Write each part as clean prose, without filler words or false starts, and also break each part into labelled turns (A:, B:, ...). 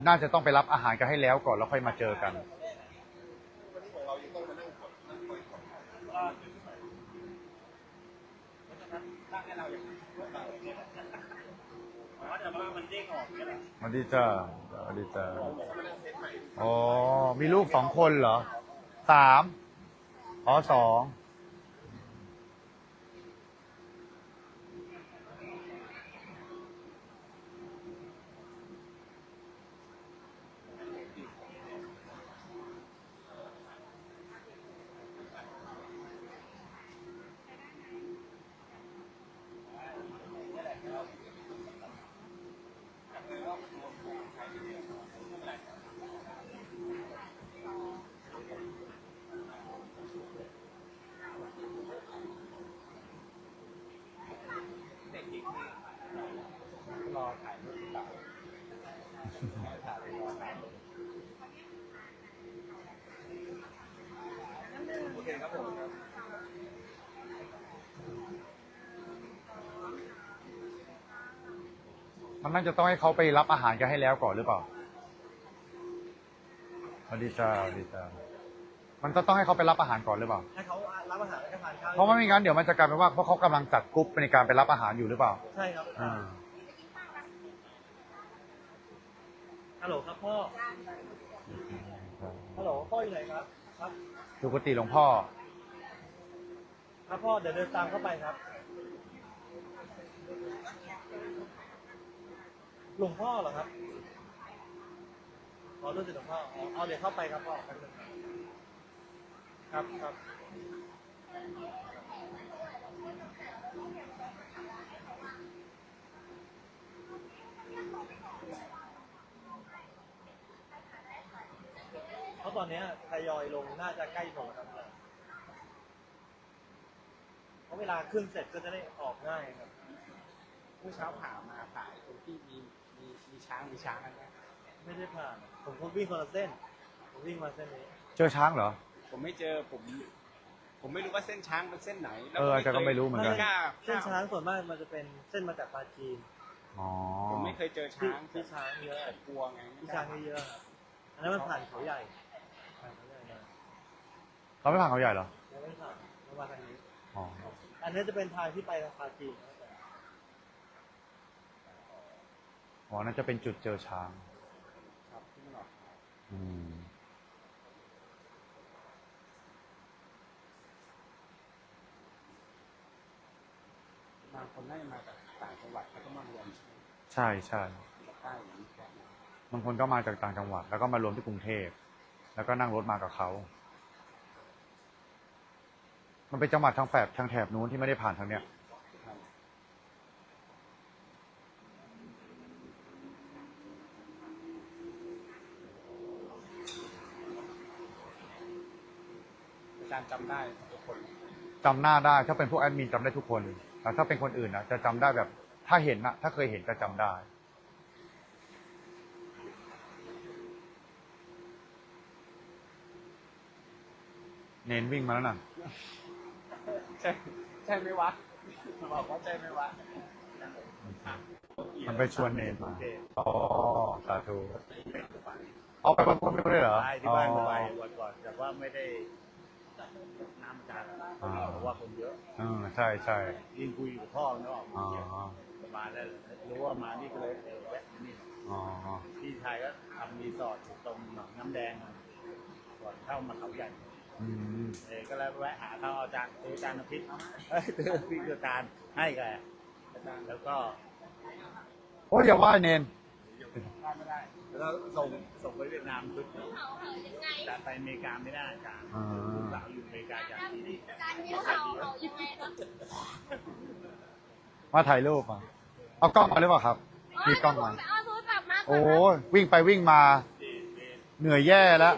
A: น่าจะต้องไปรับอาหารกันให้แล้วก่อนแล้วค่อยมาเจอกันสวัสดีจ้าสวัสดีจ้าอ๋อมีลูก2 คนเหรอ3อ๋อ2
B: รอถ่ายรูปเก่าโอเคครับผม
A: มันน่าจะต้องให้เขาไปรับอาหารกันให้แล้วก่อนหรือเปล่าสวัสดีจ้าสวัสดีจ้ามันจะต้องให้เขาไปรับอาหารก่อนหรือเปล่า
B: ให้เขารับอาหารแล้วก็ทานข้าว
A: เพราะไม่งั้นเดี๋ยวมันจะกลายเป็นว่าเพราะเขากำลังจัดกรุ๊ปในการไปรับอาหารอยู่หรือเปล่า
B: ใช่ครับฮัลโหลครับพ่อฮัลโหลพ่ออยู่ไหนครับครับ
A: ดูกุฏิหลวงพ่อ
B: ครับพ่อเดี๋ยวเดินตามเข้าไปครับหลวงพ่อเหรอครับขอรู้สึกหลวงพ่อเอาเดี๋ยวเข้าไปครับพ่อครับครับเพราะตอนนี้ทยอยลงน่าจะใกล้หมดครับเพราะเวลาขึ้นเสร็จก็จะได้ออกง่ายครับ
C: เมื่อเช้าผ่ามาผ่าตรงที่มีช้างอะไรเงี้ย
B: ไม่ได้ผ่านผมก็วิ่งคนละเส้นผมวิ่งมาเส้นนี้
A: เจอช้างเหรอ
C: ผมไม่เจอผมไม่รู้ว่าเส้นช้างเป็นเส้นไหน
A: อาจารย์ก็ไม่รู้เหมือนกัน
B: เส้นช้างส่วนมากมันจะเป็นเส้นมาจากปาจีน
C: ผมไม่เคยเจอช้าง
B: ที่ช้างเยอะ
C: แต่กลัวไง
B: ที่ช้างเยอะครับอันนั้นมันผ่านเขาใหญ่
A: เราไม่ผ่านเขาใหญ่เหรอ
B: ยังไม่ผ่านมาทางนี้
A: อ๋อ
B: อันนี้จะเป็นทางที่ไปทางปาจีน
A: อ๋อนั่นจะเป็นจุดเจอช้าง
C: ครับที่มันออกบางคนน่าจะมาจากต่างจังหวัดแล้วก็มารวม
A: ใช่ใช่
C: ใต้อย่างนี้
A: บางคนก็มาจากต่างจังหวัดแล้วก็มารวมที่กรุงเทพแล้วก็นั่งรถมากับเขามันเป็นจังหวัดทางแถบนู้นที่ไม่ได้ผ่านทางเนี้ย
C: อาจารย์จำได้ทุกคน
A: จำหน้าได้ถ้าเป็นพวกแอดมินจำได้ทุกคนแต่ถ้าเป็นคนอื่นนะจะจำได้แบบถ้าเห็นนะถ้าเคยเห็นจะจำได้เน้นวิ่งมาแล้วน่ะ
C: ใช่ไหมวะบอกว่าใช่ไหมวะ
A: มันไปชวนเนนมาอ๋อสาธุเอาไปบางคนไม่ได้เหรอ
B: ใช่ที่บ้านไปวันก่อนแต่ว่าไม่ได้น้ำจานเพราะว่าคนเยอะ
A: ใช่ใช่
B: ยิงคุยกับพ่อเนาะมาแล้วรู้ว่ามานี่ก็เลยแวะนี่พี่ชายก็ทำรีสอร์ทตรงหนองน้ำแดงก่อนเข้ามาเขาใหญ่ก็เลยแวะหาเขาอาจารย์น้ำพริกพี่อาจารย์ให้กันอาจารย์แล้วก็
A: โอ้ยอย่าว่าเนน
B: ไม่ได้แล้วส่งไปเวียดนามชุดจะไปอเมริกาไม่ได้อาจารย์สาวอยู่อเมริกาจากที่นี่
A: มาถ่ายรูปมาเอากล้องมาหรือเปล่าครับมีกล้องมาโอ้วิ่งไปวิ่งมาเหนื่อยแย่แล้ว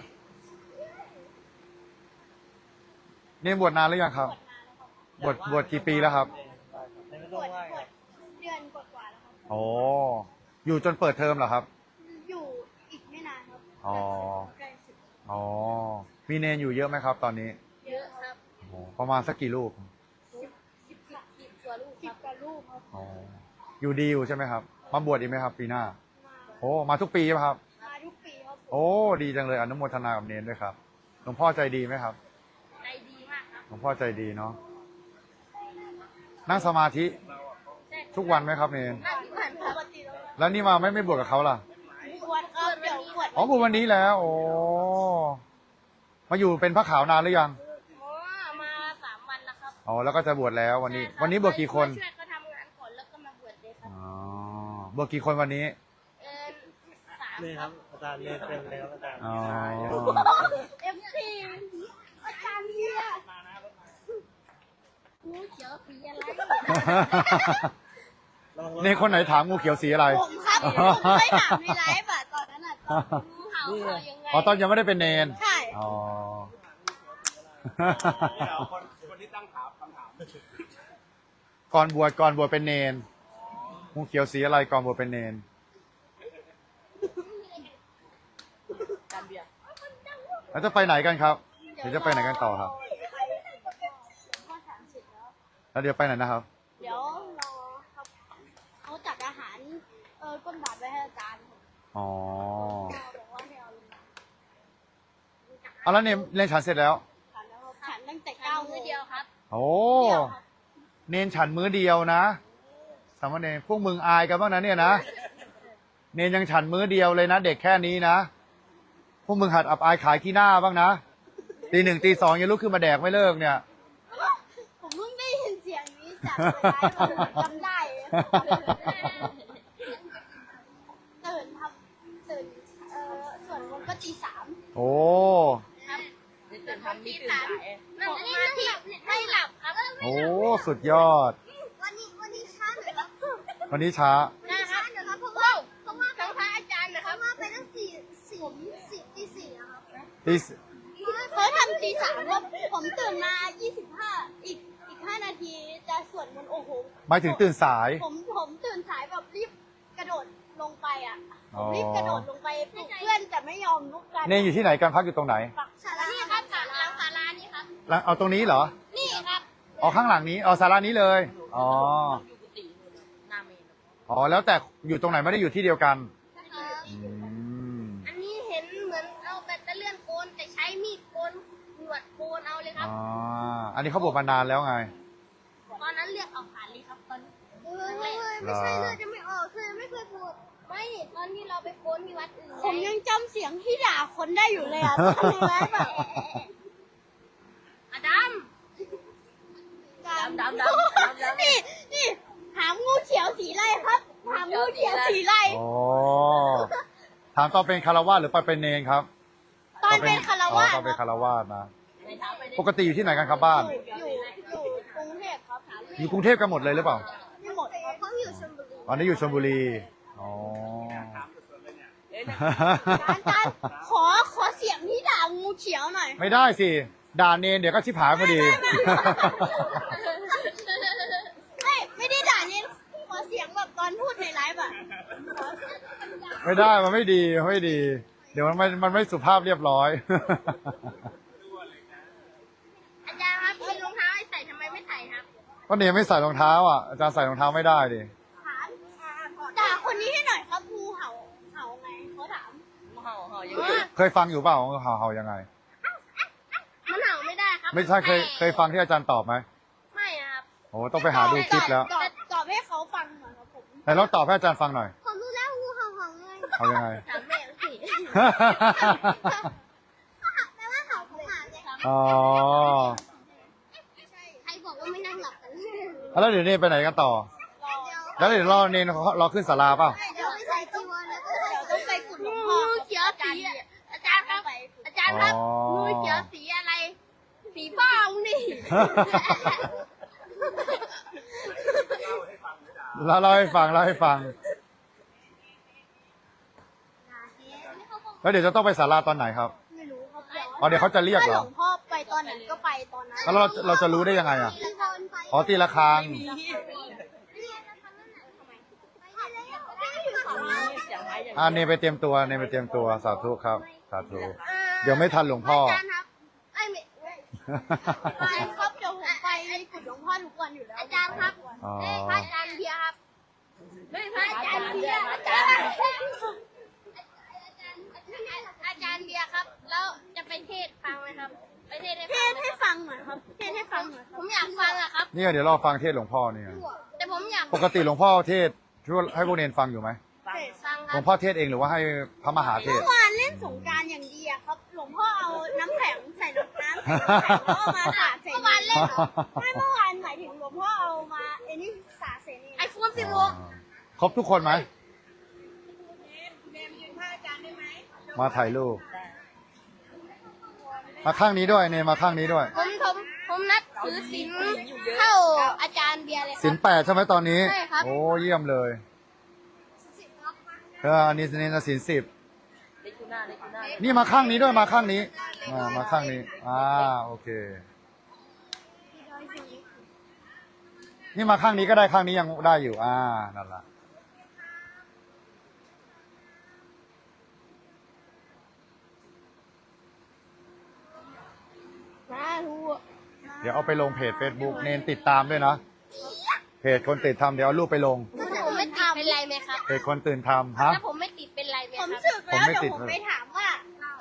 A: นี่บวชนานหรือยังครับบวชกี่ปีแล้วครับ
D: บวชเดือนกว่าแล้วครับ
A: โอ้อยู่จนเปิดเทอมเหรอครับ
D: อยู่อีกไม่นานครับใกล้สุด
A: อ๋อมีเนนอยู่เยอะไหมครับตอนนี้
D: เยอะครับ
A: ประมาณสักกี่ลูก
D: 10 กว่าลูกครับ
A: อ๋ออยู่ดีอยู่ใช่ไหมครับมาบวชอีกไหมครับปีหน้าโอ้มาทุกปีใช่ไหมครับ
D: มา
A: โอ้ ดีจังเลยอนุโมทนากับเนนด้วยครับหลวงพ่อใจดีไหมครับ
D: ใจดีมากครับ
A: หลวงพ่อใจดีเนาะนั่งสมาธิทุกวันไหมครับเนน
D: นั่งที่ผ่านปกติแล้ว
A: แล้วนี่มาไม่บวชกับเขาล่ะ
D: บวชครับเดี๋ยวบวช
A: อ๋อบวชวันนี้แล้ว โอ้มาอยู่เป็นพระขาวนานหรือยัง
D: อ๋อมา3 วันแล้วครับ
A: อ๋อแล้วก็จะบวชแล้ววันนี้
D: ใช่ครับ
A: วันนี้บวชกี่คน
D: ช่วยเขาทำงานก่อนแล้วก็มาบวชเลยครับ
A: อ๋อบวชกี่คนวันนี้
B: นี่
D: 3
B: ครับอาจารย์เรียนเต็มแล้วอาจารย์
A: อ๋อ
D: เอฟซีอาจารย์เนี่ยงูเขียวสีอะไร
A: เนนคนไหนถามงูเขียวสีอะไร
D: ผมครับผมเคยถามในไลฟ์อะตอนนั้นอะตอนงูเห่าเขายังไง
A: อ๋อตอนยังไม่ได้เป็นเนน
D: ใช่
A: อ๋อ
C: คนที่ตั้งถามคำถาม
A: ก่อนบวชเป็นเนนงูเขียวสีอะไรก่อนบวชเป็นเนน
C: การเบียร์
A: แล้วจะไปไหนกันครับเดี๋ยวจะไปไหนกันต่อครับ
D: พ่อถามเสร็จแล้ว
A: แล้วเดี๋ยวไปไหนนะครับ
D: เดี๋ยวรอครับเขาจัดอาหารก้นบาทไว้ให้อาจารย์ครับ
A: อ๋อ
D: พ่อบอกว่าให้เอาลงมา
A: เอาแล้วเนนเรียนฉันเสร็จแล้ว
D: ฉันแล้วครับฉันตั้งแต่9 โมงเดียวครับ
A: โอ้ เนนฉันมื้อเดียวนะสามเณรพวกมึงอายกันบ้างนะเนี่ยนะ เนนยังฉันมื้อเดียวเลยนะเด็กแค่นี้นะ พวกมึงหัดอับอายขายขี้หน้าบ้างนะตี 1ตี 2ยังลุกขึ้นมาแดกไม่เลิกเนี่ย
D: ผมเพิ่งได้ยินเสียงนี้จากในไลฟ์ผมจำได้ตื่นส่วนมนต์ก็ตี 3
A: โอ้
D: ครับตื่นทำนี่ตื่นสายนั่งสมาธิไม่หลับครับ
A: โอ้ สุดยอด
D: วันนี้ช้าหน่อยครับ
A: วันนี้ช้า
D: นะครับเดี๋ยวครับเพราะว่าทั้งพระอาจารย์นะครับเพราะว่าไปตั้งตี 4นะครับ
A: ตี
D: เขาทำตี 3ครับผมตื่นมา 25อีก5 นาทีจะสวดมนต์โอ้โห
A: หมายถึงตื่นสาย
D: ผมตื่นสายแบบรีบกระโดดลงไปอ่ะ
A: อ๋อ
D: รีบกระโดดลงไปปลุกเพื่อนแต่ไม่ยอมลุกกัน
A: เนนอยู่ที่ไหนกันพักอยู่ตรงไหน
D: ศาลานี่ครับศาลานี่ครับ
A: แล้วเอาตรงนี้เหรอ
D: นี่ครับ
A: อ๋อข้างหลังนี้ อ๋อศาลานี้เลย อ๋อ
C: อยู่กุฏิหน้าเมน
A: อ๋อ แล้วแต่อยู่ตรงไหนไม่ได้อยู่ที่เดียวกัน อืม
D: อันนี้เห็นเหมือนเอาแบตเตอรี่โกนแต่ใช้มีดโกนหนวดโกนเอาเลยครับ
A: อ๋อ อันนี้เขาบวชมานานแล้วไง
D: ตอนนั้นเลือดออกผ่านเลยครับตอน
A: ไม่ใช่เลือด
D: จะไม่ออกคือไม่เคยพูดไม่ตอนที่เราไปโกนที่วัดอื่นผมยังจำเสียงที่ด่าคนได้อยู่เลยอ่ะตอนในไลฟ์แบบอดัม
C: ดำ
D: นี่ถามงูเขียวสีอะไรครับถามงูเขียวสีอะไร
A: อ๋อ ถามตอนเป็นคารวาสหรือตอนเป็นเนนครับ
D: ตอนเป็นคารวะ
A: ตอนเป็นคารวาสนะ
C: ในเท้าไป
A: ปกติอยู่ที่ไหนกันครับบ้าน
D: อยู่กรุงเทพครับ
A: อยู่กรุงเทพกันหมดเลยหรือเปล่า
D: ไม่หมดครับเพราะอยู่ชลบุรี
A: ตอนนี้อยู่ชลบุรี อ๋อ
D: อาจารย์ขอเสียงที่ด่างูเขียวหน่อย
A: ไม่ได้สิ ด่าเนนเดี๋ยวก็ชิบหายพอดี
D: ไม่ได้ด่าเนี่ยขอเสียงแบบตอนพูดในไลฟ์อ่ะ
A: ไม่ได้ มันไม่ดีมันไม่ดี เดี๋ยวมันไม่สุภาพเรียบร้อย
D: อาจารย์ครับมีรองเท้าให้ใส่ทำไมไม่ใส่ครับ
A: ก็เนนไม่ใส่รองเท้าอ่ะ อาจารย์ใส่รองเท้าไม่ได้ดิ
D: ถามด่าคนนี้ให้หน่อยครับงูเห่าไงเขาถาม
C: ห่อยัง
A: เคยฟังอยู่เปล่าเห่ายังไง
D: มันเห่าไม่ได้ครับ
A: ไม่ใช่เคยฟังที่อาจารย์ตอบไหม
D: ไม่ครับ
A: โอ้ต้องไปหาดูคลิปแล้ว
D: ตอบให้เขาฟังหน่อยครับผม
A: ไหนลองตอบให้อาจารย์ฟังหน่อย
D: ผมรู้แล้วงูเห่าไง
A: เอายังไง
D: ถามแม่สิแปลว่าเห่าของหมาไงครับ
A: อ๋อ
D: ใครบอกว่าไม่นั่งหลับกัน
A: แล้วเดี๋ยวเนนไปไหนกันต่อ แล้วเดี๋ยวรอเนนรอขึ้นศาลาเปล่า
D: เดี๋ยวไปใส่จีวรแล้วก็เดี๋ยวต้องไปกุดหลวงพ่องูเขียวสีอาจารย์ครับอาจารย์ครับงูเขียวสีอะไร สีฟ้านี่
A: แล้วเล่าให้ฟังแล้วเดี๋ยวจะต้องไปศาลาตอนไหนครับ
D: ไม่รู้ครับ
A: อ๋อเดี๋ยวเขาจะเรียกเหรอ
D: ถ้าหลวงพ่อไปตอนไหนก็ไปตอนนั้น
A: แล้วเราจะรู้ได้ยังไงอ่ะ อ๋อตีละครัง
C: เสียงไม้อย่าง
A: เนนไปเตรียมตัวสาธุครับ สาธุ เดี๋ยวไม่ทันหลวงพ่อ
D: อาจารย์ครับไอ้ไม่ครับเดี๋ยวผมไปกุดหลวงพ่อทุกวันอยู่แล้ว อาจารย์ครับ
A: อ๋อ
D: พระอาจารย์เบียร์ครับพระอาจารย์เบียร์อาจารย์อยากฟังอะครับ
A: เนี่ยเดี๋ยวเราฟังเทศน์หลวงพ่อเนี่ย
D: แต่ผมอยาก
A: ปกติหลวงพ่อเทศน์ช่วยให้พวกเนนฟังอยู่ไหม
D: ฟังค
A: หล
D: รั
A: ว
D: บ
A: งพ่อเทศน์เองหรือว่าให้พระมหาเทศน์
E: เมื่อวานเล่นสงกรารอย่างดีอะครับ หลวงพ่อเอาน้ำแข็งใส่น้ำแล้วเอามาสาดใส่
D: เมื่อวานเล่น
E: ไม่เมื่อวานหมายถึงหลวงพ่อเอามาไอ้นี่สาดใส่นี่
D: ไอโฟน16
A: ครบทุกคนไหม มาถ่ายรูป มาข้างนี้ด้วยเนนมาข้างนี้ด้วย
D: ผมนัดถือศีลเท่าอาจารย์เบียร์เลยค
A: ศี
D: รั
A: ล8ใช่ไหมตอนนี้
D: ใช่ครับ
A: โอ้เยี่ยมเลยอันนี้เนนศีล10นี่มาข้างนี้ด้วยมาข้างนี้มาข้างนี้โอเค นี่มาข้างนี้ก็ได้ข้างนี้ยังได้อยู่นั่นแหละ
D: สาธุ
A: เดี๋ยวเอาไปลงเพจ Facebook เนนติดตามด้วยนะ เพจคนตื่นทำเดี๋ยวเอารูปไปลง
D: ถ้าผมไม่ติดเป็นไรไหมครับ
A: เพจคนตื่นทำฮะ
D: ถ้าผมไม่ติดเป็นไรไหม
E: ผ
D: ค
E: ม
D: รับ
E: สึกแล้ว
A: ผมไม่
E: เดี๋ยว
A: ติด
E: ผมไปถามว่า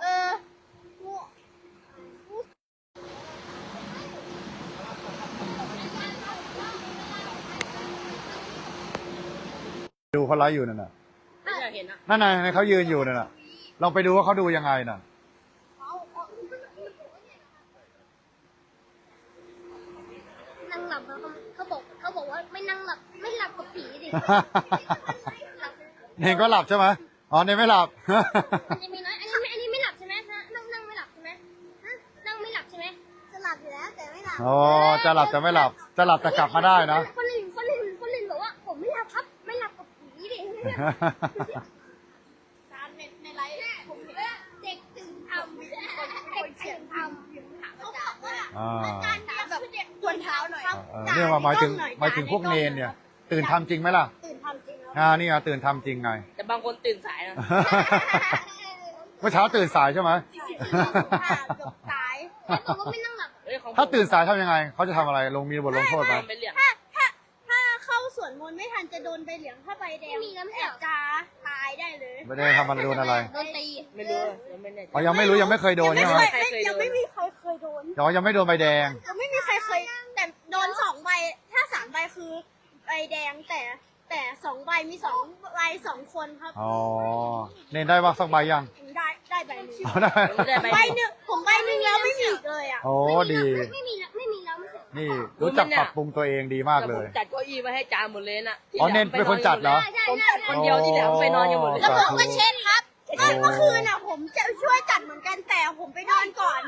A: ดูเขาไลฟ์อยู่นั่นน่ะ
C: ไม่อยากเห็นอ่ะ
A: นั่นน่ะเขายืนอยู่นั่นน่ะ ลองไปดูว่าเขาดูยังไงน่ะ
D: นั่งหลับแล้วเขาบอกว่าไม่นั่งหลับไม่หลับกับผีดิ
A: เนนก็หลับใช่ไหมอ๋อเนนไม่หลับ
D: มันจะมีน้อยอันนี้ไม่หลับใช่ไหมนั่งไม่หลับใช่ไหมนั่งไม่หลับใช่ไหม
E: จะหลับอยู่แล้วแต่ไม่หลับ
A: อ๋อจะหลับจะไม่หลับ จะหลับแต่กลับมาได้นะ
D: คนลินบอกว่าผมไม่หลับครับ ไม่หลับกับผีดิ
E: ตามในไลฟ์ผมเห็น
D: เด็กตื่นทำเด็กตื่นทำ
E: เขาบอกว่า
A: อา
E: การเดียวแบบควรเท้าหน่อย
A: เนี่ยหมายถึงพวกเนนเนี่ย ตื่นทำจริงไหมล่ะ
E: ตื่นทำจริงแล้ว
A: นี่ไงตื่นทำจริงไง
C: แต่บางคนตื่นสายนะ
A: เมื่อเช้าตื่นสายใช่ไหม
E: เกือบตาย
D: แล้วบอกว่าไม่นั่งหลับ
C: เอ้ยของผม
A: ถ้าตื่นสายทำยังไง เขาจะทำอะไร มีบทลงโทษไหม
C: เป็นเหลี่ยม
E: ถ้าเข้าสวนมนต์ไม่ทันจะโดนใบเหลืองถ้าใบแดงแอบจะตายได้เลย
A: ไม่ได้ทำอะไรโดนอะไร
D: โดนตี
C: ไม่รู้ยังไม่แน่ใจ
A: อ๋อยังไม่รู้ยังไม่เคยโดนใช่ไหม
E: ยังไม่มีใครเคยโดน
A: อ๋อยังไม่โดนใบแดง
E: ยังไม่มีใครเคยแต่โดน2 ใบ ถ้า3 ใบคือใบแดงแต่2 ใบมี2 ใบ2 คนครับ
A: อ๋อ เนนได้ว่าสักใบยัง
E: ได้ใบหนึง
A: อ๋อได้
E: ใบหนึ่งผมใบหนึ่งแล้วไม่มีอีกเลยอ่ะ
A: โอ้ดี
D: ไม่มีแล้วไม่ใช่
A: นี่รู้จักปรับปรุงตัวเองดีมากเลย
C: แต่ผมจัดเก้าอี้ไว้ให้จานหมดเลยน่ะที่
A: อ๋อ
C: หลื
A: เน้นเป็นคนจัดเหรอ
D: ใช่
C: ผมจัดคนเดียวที่เหลือไปนอนกันหมดเลย
A: แล้วผมก็
D: เช็ดครับ
E: เมื่อคืนอ่ะผมจะช่วยจัดเหมือนกันแต่ผมไปนอนก่อน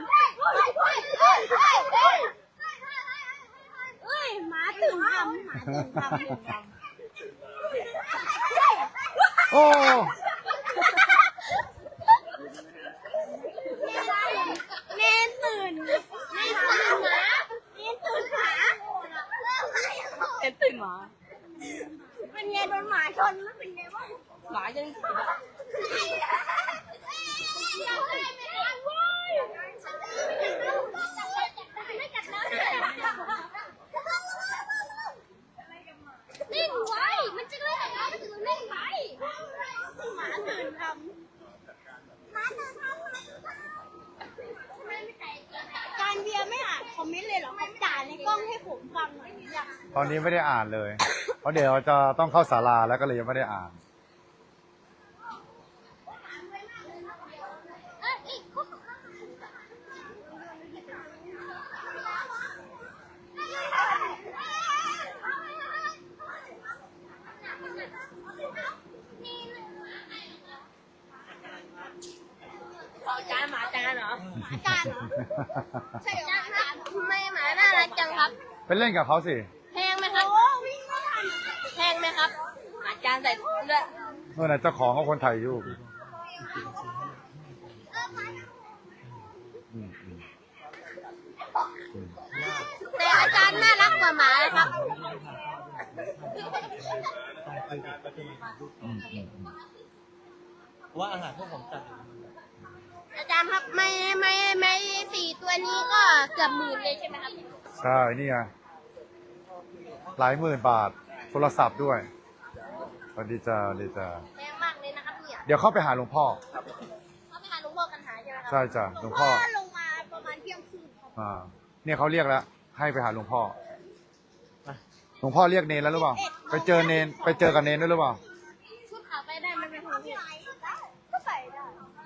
E: เอ้ยหมาตื่นทำหมาตื่นทำ
A: โอ้
E: เนนตื่นเนนตื่นหมาเนนตื่นหมา
C: เป็นตื่นหมา
E: เป็นไงโดนหมาชนแล้วเป็นไงบ้าง
C: หมายัง
D: นิ่งไว้ มันจะไม่ทำร้ายมันจะนิ่งไป
E: หมาตื่นทำการเบียร์ไม่อ่านคอมเมนต์เลยเหรอครับด่าในกล้องให้ผมฟังหน่อยอยาก
A: ตอนนี้ไม่ได้อ่านเลย เพราะเดี๋ยวจะต้องเข้าศาลาแล้วก็เลยยังไม่ได้อ่าน
C: จานหมาจานเหรอ
E: อาจารย์เหรอ
D: ใช่ครับทำไมหมาน่ารักจังครับ
A: ไปเล่นกับเขาสิ
D: แพงไหมครับ
E: โอ้วิ่งไม่ทัน
D: แพงไหมครับ
C: หมาจานใส่ด้วย
A: เมื่อไหร่เจ้าของเขาคนถ่ายรูปอืม
D: แต่อาจารย์น่ารักกว่าหมาครับ
B: ว่าอาหารพวกผมจัด
D: อาจารย์ครับไม่4 ตัวนี้ก็เกือบ10,000เลยใช่ไหมครับ
A: ใช่นี่ไงหลายหมื่นบาท โทรศัพท์ด้วยสวัสดีจ้าสวัสดีจ้า
D: แพงมากเลยนะครับเนี่ย
A: เดี๋ยวเข้าไปหาหลวงพ่อ
D: เขาไปหาหลวงพ่อกันหาใช่ไหมครั
A: ใช่จ้ะหลวงพ่อ
E: ลงมาประมาณเที่ยงคืนครับ
A: เนี่ยเขาเรียกแล้วให้ไปหาหลวงพ่อหลวงพ่อเรียกเนนแล้วหรือเปล่าไปเจอเนนไปเจอกับเนนด้วยหรือเปล่า
D: ชุดขาวไปได้มันเป็นของพี่
E: ก็ใส่ได้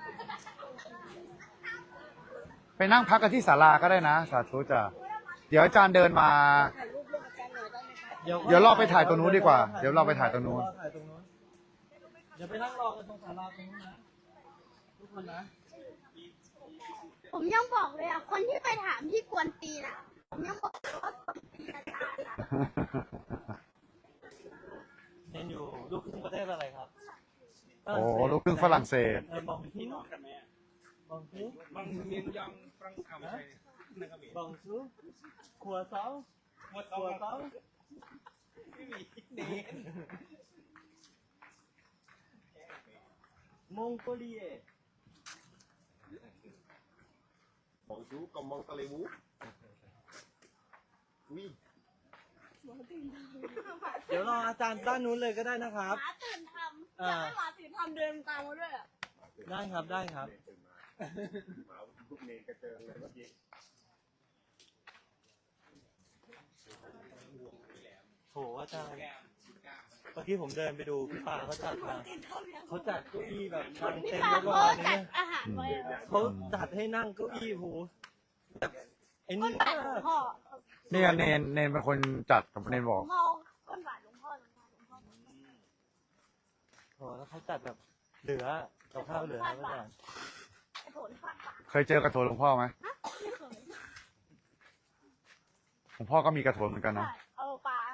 A: ไปนั่งพักกันที่ศาลาก็ได้นะสาธุจ้ะเดี๋ยวอาจารย์เดินมา เดี๋ยวเราไปถ่ายตรงนู้นดีกว่า เดี๋ยวเราไปถ่ายตรงนู้น
C: เดี๋ยวไปนั่งรอกันตรงศาลาตรงนู้นนะทุกคนนะ
E: ผมยังบอกเลยอ่ะ คนที่ไปถามที่กวนตีนอ่ะ ผมยังบอกเลยว่ากวนตีนอาจารย์อ่ะ
C: เรียนอยู่ลูกครึ่งประเทศอะไรครับ
A: โอ้ลูกครึ่งฝรั่งเศส
C: มองที่มองที่บางเรียนยังฝรั่งเศสบางซูขัวเสาขัวเสาไม่มีเนนมองโกเลีย
F: Bonjour, comment allez-vous? Oui.
C: เดี๋ยวรออาจารย์ด้านนู้นเลยก็ได้นะครับ
E: หมาตื่นทำอยากให้หมาตื่นทำเดินตามมาด้วยอ่ะ
C: ได้ครับได้ครับ
F: ลูกเนกระเจิงเลยเมื่อกี้
C: โหอาจารย์เมื่อกี้ผมเดินไปดูพี่ปาเขาจัดมาเขาจัดเก้าอี้แบบนั่ง
E: พี่
C: เต็ม
E: ฟ้า
C: เรียบ
E: เขา
C: ร้อย
E: จั
C: เนี่
E: ด
C: ย
E: อาหารไว้อะ
C: เขาจัดให้นั่งเก้าอี้โหแบบไอ้
E: ก้
C: นี่
E: นบาทหลวงพ่อ
A: เนี่ยเนนเป็นคนจัดกับเนนบอก
E: พ่อก้นบาทหลวงพ่อหลวงพ่อหลวงพ่อ
C: โหแล้วเขาจัดแบบเหลือกับข้าวเหลือครับอาจารย์
E: ไอ้โถนฟาดปาก
A: เคยเจอกระโถนหลวงพ่อไหม
E: ไม่เคย
A: หลวงพ่อก็มีกระโถนเหมือนกันนะ
E: ใช่เอาปลา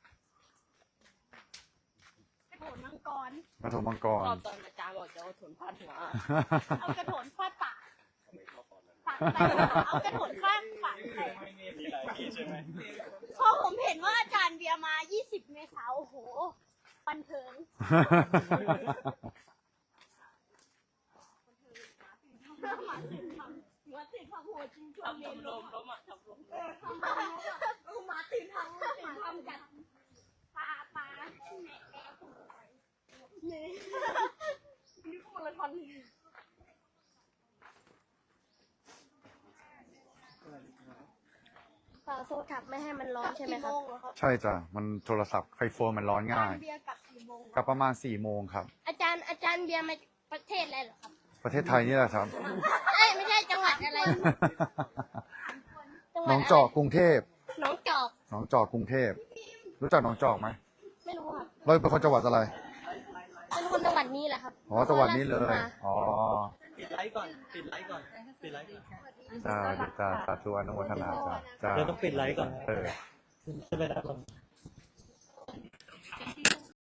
E: ไอ้โถนมังกร
A: กระโถนมังกร
D: ตอนอาจารย์บอกจะเอาถุนพันหัว
E: เอากระโถนฟาดปากปากไปเอากระโถนฟาดปากไป
C: มีหลายที่ใช่ไหม
E: พอผมเห็นว่าอาจารย์เบียร์มา 20 เมษายนโอ้โห บันเทิงหมาติดทำหัวจริงจังเลยลมอ่ะทำลมหมาติดทำกันปลาแหน่เนี่ยนี่ก็มาราธอนเลยฝาโซทับไม่ให้มันร้อนใช่ไหมครับ
A: ใช่จ้ะมันโทรศัพท์ไฟโฟนมันร้อนง่าย
E: เบียร์กลับกี่โมง
A: กลับประมาณ4 โมงครับ
E: อาจารย์เบียร์มาประเทศอะไรเหรอครับ
A: ประเทศไทยนี่แหละครับ
E: เอ้ยไม่ใช่จังหวัดอะไร จังห
A: หน
E: วัด
A: อง
E: อะไร
A: จอกกรุงเทพ
E: หนองจอก
A: หนองจอกกรุงเทพ รู้จักหนองจอกไหม
E: ไม่รู้ครับ
A: เราเป็นคนจังหวัดอะไร
E: เป็นคนจังหวัดนี้แหละครับ
A: อ๋อจังหวัดนี้เลย อ๋อ
C: ปิดไลฟ์ก่อนปิดไลฟ์ก่อนปิดไลฟ์ก่อน
A: จ้าจ้าสาธุอนุโมทนาจ้าจ้า
C: เราต้องปิดไลฟ์ก่อน
A: เออ
C: จะไปได้ก่อน